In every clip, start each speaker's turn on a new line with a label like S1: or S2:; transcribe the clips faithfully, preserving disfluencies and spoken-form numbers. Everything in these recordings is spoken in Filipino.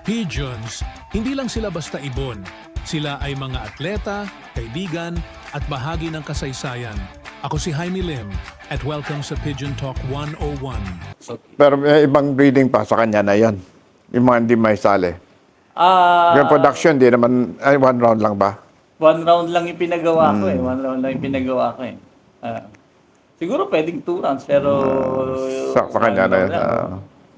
S1: Pigeons, hindi lang sila basta ibon. Sila ay mga atleta, kaibigan, at bahagi ng kasaysayan. Ako si Jaime Lim at welcome sa Pigeon Talk one oh one.
S2: Pero may ibang breeding pa sa kanya na yon. Yung mga hindi may sali.
S3: Ah,
S2: Yung production, di naman, ay one round lang ba?
S3: one round lang yung pinagawa ko eh. One round lang yung pinagawa ko eh. Ah, siguro pwedeng two rounds pero
S2: Sa, sa
S3: one
S2: kanya na
S3: round
S2: yun.
S3: lang.
S2: ah.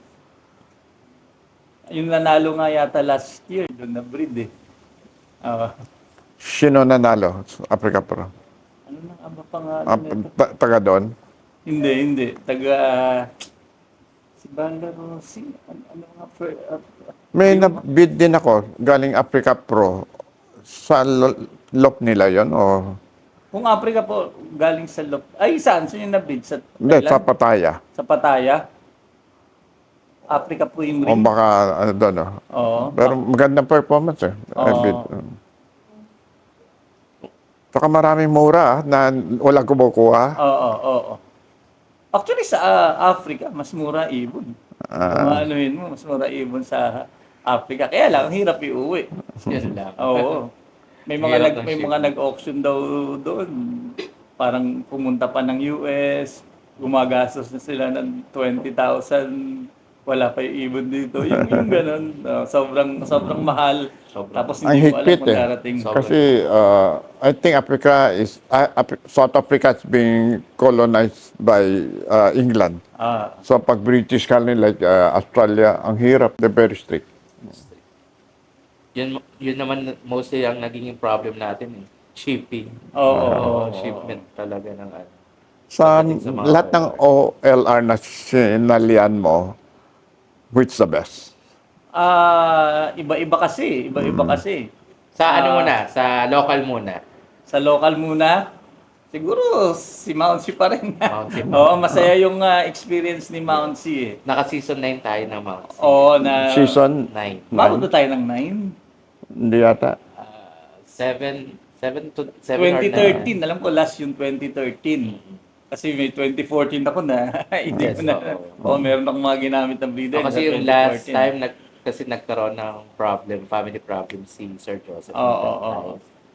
S3: Yung nanalo nga yata last year, doon na breed eh. Ah,
S2: Sino nanalo? Africa Pro.
S3: ano na ang pangalan
S2: Ah,
S3: nito?
S2: ta- taga doon.
S3: Hindi, hindi. Taga si Banda Rossi. Ano, ano nga per, ah,
S2: May na-bid din ako, galing Africa Pro. Sa lo- lop nila yon o
S3: kung Africa po, galing sa Lop. Ay, saan? Saan yung nabid? Sa
S2: hindi,
S3: Thailand?
S2: sa Pattaya.
S3: Sa Pattaya? Africa po yung
S2: O
S3: ring.
S2: baka ano doon. Oh.
S3: Oo.
S2: Pero magandang performance eh. I
S3: Oo.
S2: bid. Saka maraming mura ah, na walang kumukuha.
S3: Oo, oo. Actually, sa ah, Africa, mas mura ibon. Kung anuhin mo, mas mura ibon sa Africa. Kaya lang, ang hirap iuwi.
S4: Yan lang.
S3: Oo. May mga
S4: Hirap
S3: nag
S4: ng
S3: may
S4: shipping.
S3: mga nag-auction daw doon. Parang pumunta pa ng U S, gumagastos na sila ng twenty thousand. Wala pa yung ibon dito. Yung, yung ganun. ah, sobrang sobrang mahal.
S4: Sobrang-
S3: Tapos
S2: Ang
S3: hindi mo alam
S2: higpit
S3: kung
S2: eh.
S3: darating.
S4: Sobrang-
S2: Kasi uh, I think Africa is, uh, Af- South Africa is being colonized by uh, England.
S3: Ah,
S2: So pag British colony like uh, Australia, ang hirap, they're very strict.
S4: Yun, yun naman mostly ang naging problem natin eh. Shipping.
S3: oo, oo,
S4: Oo,
S3: oo.
S4: shipment talaga ng ano.
S2: Sa
S4: Pagdating sa mga
S2: lahat ng O L R na sinalian mo, which the best?
S3: Ah, iba-iba kasi, iba-iba
S2: Hmm.
S3: kasi.
S4: Sa
S3: Ah.
S4: ano muna? Sa local muna.
S3: Sa local muna, siguro si Mount C pa rin.
S4: Mount C.
S3: Oo, masaya yung ah, experience ni Mount C eh.
S4: Naka-season nine tayo ng Mount C.
S3: Oo, na
S2: Season?
S4: nine.
S3: Mabot na tayo ng nine.
S2: Hindi yata.
S4: Uh, seven, seven to seven or
S3: twenty
S4: nine.
S3: thirteen, alam ko last yung twenty thirteen. Kasi may twenty fourteen ako na, hindi
S4: Yes,
S3: ko na,
S4: oo.
S3: oo, meron akong mga ginamit ng breeder.
S4: Oh, kasi
S3: sa
S4: yung last
S3: twenty fourteen.
S4: time, nag, kasi nagkaroon ng problem, family problem si Sir Joseph.
S3: Oo, oo, oo.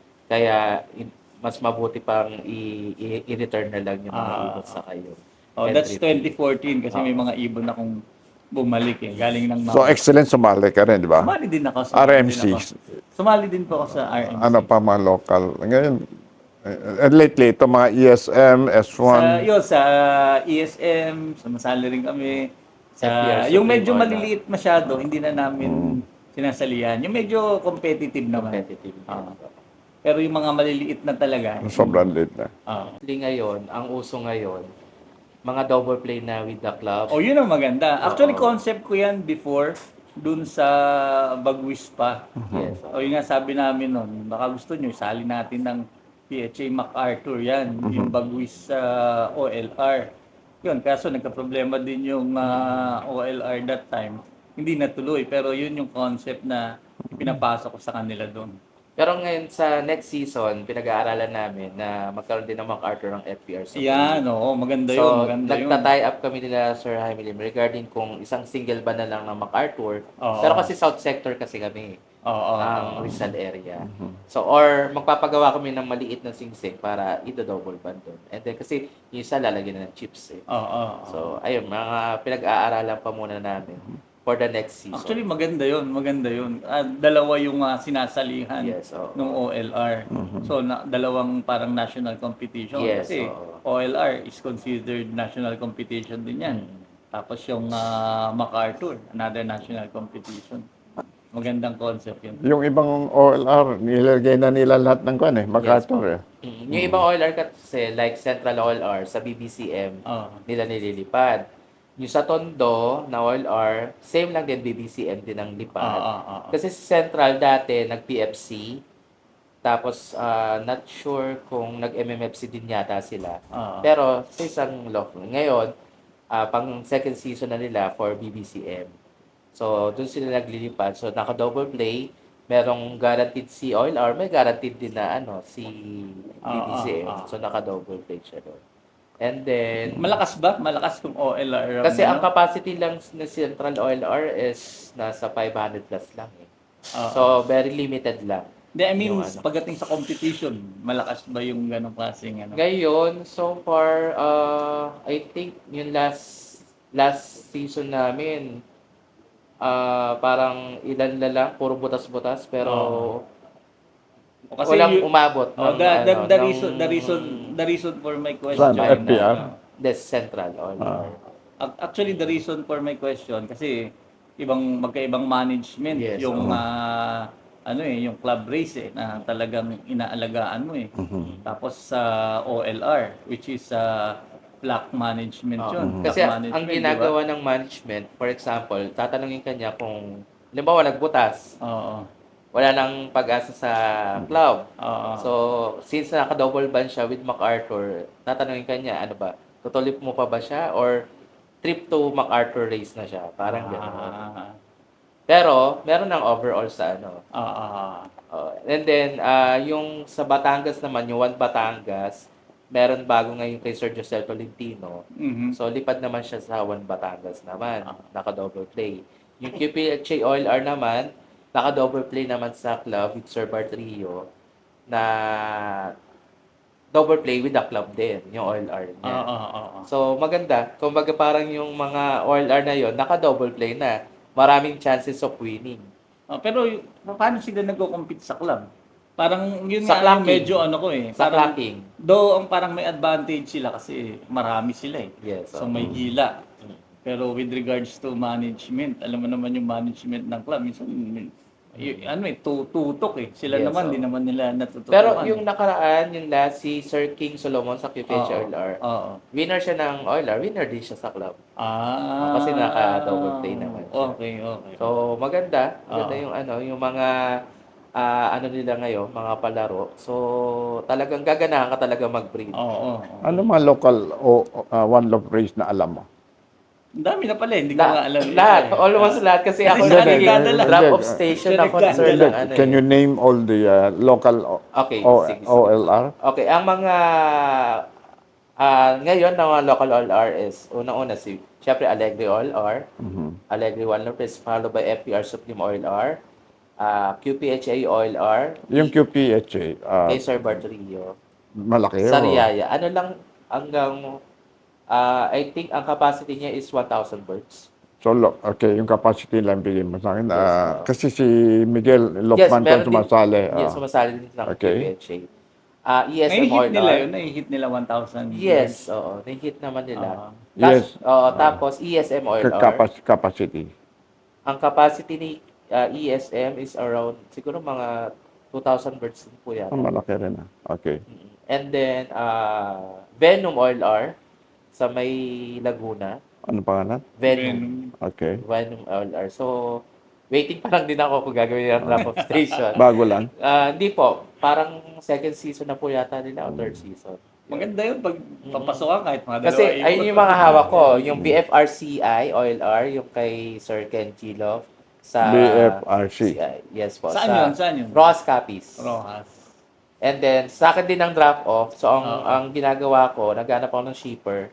S4: Kaya i- mas mabuti pang i- i- i-return na lang yung mga
S3: Ah,
S4: ibon sa kayo.
S3: Oh, that's
S4: Entry fee.
S3: twenty fourteen kasi may mga ibon akong bumalik eh, galing ng
S2: So
S3: Mount.
S2: excellent sumali ka rin, di ba?
S3: Sumali din ako.
S2: R
S3: sumali
S2: M
S3: din
S2: C.
S3: ako. Sumali din po ako sa R M C.
S2: Ano pa mga local. Ngayon, eh, and lately, ito mga E S M, S
S3: Sa,
S2: one,
S3: yun, sa E S M, sumasali rin kami. Sa,
S4: F P R,
S3: yung
S4: Supreme
S3: medyo
S4: Court,
S3: maliliit masyado, hindi na namin sinasalihan. Yung medyo competitive naman.
S4: Competitive.
S3: Ah. Pero yung mga maliliit na talaga.
S2: sobrang late na.
S3: Ah.
S4: Actually ngayon, ang uso ngayon, mga double play na with the club.
S3: Oh, yun ang maganda. Actually,
S4: Oo.
S3: concept ko yan before, dun sa Bagwis pa.
S4: Yes.
S3: O yun nga sabi namin nun, baka gusto nyo, isali natin ng P H A MacArthur yan, yung Bagwis sa O L R. Yun, kaso nagka-problema din yung ah, O L R that time. Hindi natuloy, pero yun yung concept na pinapasok ko sa kanila doon.
S4: Pero ngayon sa next season, pinag-aaralan namin na magkaroon din ng MacArthur ng F P R. sa
S3: Yan, oo, maganda
S4: So,
S3: yun, maganda yun.
S4: nagta-tie up kami nila Sir Jaime Lim regarding kung isang single ba na lang ng MacArthur.
S3: Oo.
S4: Pero kasi South Sector kasi kami,
S3: Oo, oo,
S4: ang
S3: oo.
S4: Rizal area. So, or magpapagawa kami ng maliit na singsing para ito-double band doon. And then kasi yung isa lalagyan na ng chips eh.
S3: Oo, oo.
S4: So, ayun, mga pinag-aaralan pa muna namin for the next season.
S3: Actually, maganda yun, maganda yun. Ah, dalawa yung ah, sinasalihan
S4: Yes, oo.
S3: ng O L R. So, na, dalawang parang national competition.
S4: Yes,
S3: Kasi
S4: oo.
S3: O L R is considered national competition din yan.
S4: Mm.
S3: Tapos yung ah, MacArthur, another national competition. Magandang concept yun.
S2: Yung ibang O L R, nilagay na nila lahat ng kwan eh, MacArthur eh.
S4: Mm, Yung ibang O L R kasi, like Central O L R sa B B C M,
S3: Oo.
S4: nila nililipad. Yung sa Tondo na O L R, same lang din B B C M din ang
S3: Ah,
S4: lipad.
S3: ah, ah, ah.
S4: Kasi sa Central dati, nag-P F C. Tapos, ah, not sure kung nag-M M F C din yata sila.
S3: Ah, ah.
S4: Pero sa isang local. Ngayon, ah, pang second season na nila for B B C M. So, doon sila naglilipad. So, naka-double play. Merong guaranteed si O L R, may guaranteed din na ano, si B B C M.
S3: Ah, ah, ah.
S4: So, naka-double play siya doon. And then,
S3: Malakas ba? Malakas kung O L R. ang
S4: kasi ang
S3: ano?
S4: capacity lang ng Central O L R is nasa five hundred plus lang eh.
S3: Oo.
S4: So, very limited lang.
S3: Hindi, I mean,
S4: yung ano.
S3: pagdating sa competition, malakas ba yung ganong klaseng ano?
S4: Ngayon, so far, uh, I think yung last last season namin, ah parang ilan na lang, puro butas-butas, pero
S3: O kasi
S4: walang
S3: you-
S4: umabot.
S3: Oh,
S4: ng,
S3: the, the,
S4: ano,
S3: the
S4: ng-
S3: reason the reason the reason for my question
S2: Saan? F P R?
S3: ano,
S4: Des Central O L R.
S3: ac- actually the reason for my question kasi ibang magkaibang management
S4: Yes,
S3: yung
S4: oo.
S3: ah, ano eh yung club race eh na talagang inaalagaan mo eh. Tapos sa O L R which is sa black management
S4: Oo.
S3: yun. Black
S4: Kasi ang
S3: management, di ba?
S4: ginagawa ng management, for example, tatanungin kanya kung, halimbawa, nagbutas,
S3: Oo.
S4: wala nang pag-asa sa club.
S3: Oo.
S4: So, since naka-double ban siya with MacArthur, tatanungin kanya, ano ba, tutuloy mo pa ba siya or trip to MacArthur race na siya? Parang gano'n.
S3: Ah,
S4: Pero, meron ng overall sa ano.
S3: ah, ah,
S4: Uh, and then, ah, yung sa Batangas naman, yung One Batangas, meron bago ngayon kay Sir Josel Tolentino.
S3: mhm.
S4: So, lipad naman siya sa One Batangas naman. Naka-double play. Yung Q P H A O L R naman, naka-double play naman sa club with Sir Bart Rio na double play with the club din, yung O L R niya.
S3: Ah, ah, ah, ah.
S4: So, maganda. Kumbaga parang yung mga O L R na yon naka-double play na. Maraming chances of winning.
S3: Ah, pero y- paano sila nagko-compete sa club? Parang yun
S4: Sa
S3: nga yung
S4: clacking.
S3: medyo ano ko eh.
S4: Sa
S3: Parang,
S4: clacking.
S3: though ang parang may advantage sila kasi marami sila eh.
S4: Yes.
S3: So
S4: oo.
S3: may gila. Pero with regards to management, alam mo naman yung management ng club, minsan y- ano eh, tu- tutok eh. Sila
S4: Yes,
S3: naman,
S4: oo.
S3: di naman nila natututukan.
S4: Pero yung nakaraan, yung last, si Sir King Solomon sa Q P H
S3: Oo.
S4: O L R,
S3: Oo.
S4: winner siya ng O L R, winner din siya sa club.
S3: Ah.
S4: Kasi naka-double play naman siya.
S3: Okay, okay.
S4: So, maganda. Maganda
S3: Oo.
S4: yung ano, yung mga ah, ano nila ngayon, mga palaro. So, talagang gaganahan ka talaga mag-breed.
S3: Oo, oo. oo.
S2: Ano mga local o uh, one love race na alam mo?
S3: Ang dami na pala, eh, hindi ko nga
S4: La-
S3: alam. yun
S4: lahat,
S3: eh.
S4: almost lahat. Kasi ako
S3: siya
S4: naging
S3: nagdadala.
S4: drop of
S2: Hindi,
S4: station
S3: siya
S4: ako na sir
S3: nagdadala.
S4: ng ano
S2: Can
S4: eh.
S2: you name all the uh, local o-
S4: Okay,
S2: O-
S4: sige, sige.
S2: O L R?
S4: Okay, ang mga ah ngayon ng mga local O L R is unang-una si syempre Alegre O L R, Alegre One Love is followed by F P R Supreme O L R, ah Q P H A O L R,
S2: Yung Q P H A, uh,
S4: kay Sir Bart Rio,
S2: malaki. o-
S4: Sariaya. Ano lang hanggang ah I think ang capacity niya is one thousand birds.
S2: So, lo- okay, yung capacity lang bigyan mo sa akin.
S4: Yes,
S2: Ah,
S4: oo.
S2: kasi si Miguel Lokman
S4: meron
S2: ko sumasali.
S4: Din, yes,
S2: ah.
S4: sumasali din ng
S2: Okay.
S4: Q P H A. Ah, E S M O
S3: Nai-hit
S4: L
S3: nila
S4: R.
S3: yun, nai-hit nila one thousand.
S4: Yes, oo. Na-hit naman nila.
S3: Ah.
S2: Yes.
S4: Oo, tapos E S M O L
S2: Ka-
S4: R.
S2: capac- capacity.
S4: Ang capacity ni ah, E S M is around siguro mga two thousand birds din po yan.
S2: Ah, malaki rin. ah. Okay.
S4: And then uh, Venom O L R sa may Laguna.
S2: Ano pangalan?
S4: Venom.
S2: Okay.
S4: Venom O L R. So, waiting pa lang din ako kung gagawin yung drop of station.
S2: Bago lang.
S4: Ah, hindi po. Parang second season na po yata nila o third season.
S3: Maganda yun pag papasok ka kahit mga
S4: Kasi
S3: dalawa.
S4: ayun yung mga hawak ko. Yung B F R C I O L R, yung kay Sir Ken Chilov sa
S2: B F R C.
S4: C I. Yes po.
S3: Saan
S4: sa
S3: yun? Saan yun?
S4: Ross Capiz.
S3: Rojas.
S4: And then, sa akin din ang drop off. So, ang,
S3: Oo.
S4: ang ginagawa ko, naghanap ako ng shipper.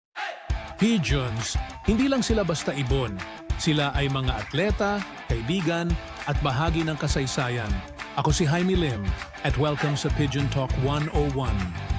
S1: Pigeons, hindi lang sila basta ibon. Sila ay mga atleta, kaibigan, at bahagi ng kasaysayan. Ako si Jaime Lim at welcome sa Pigeon Talk one oh one.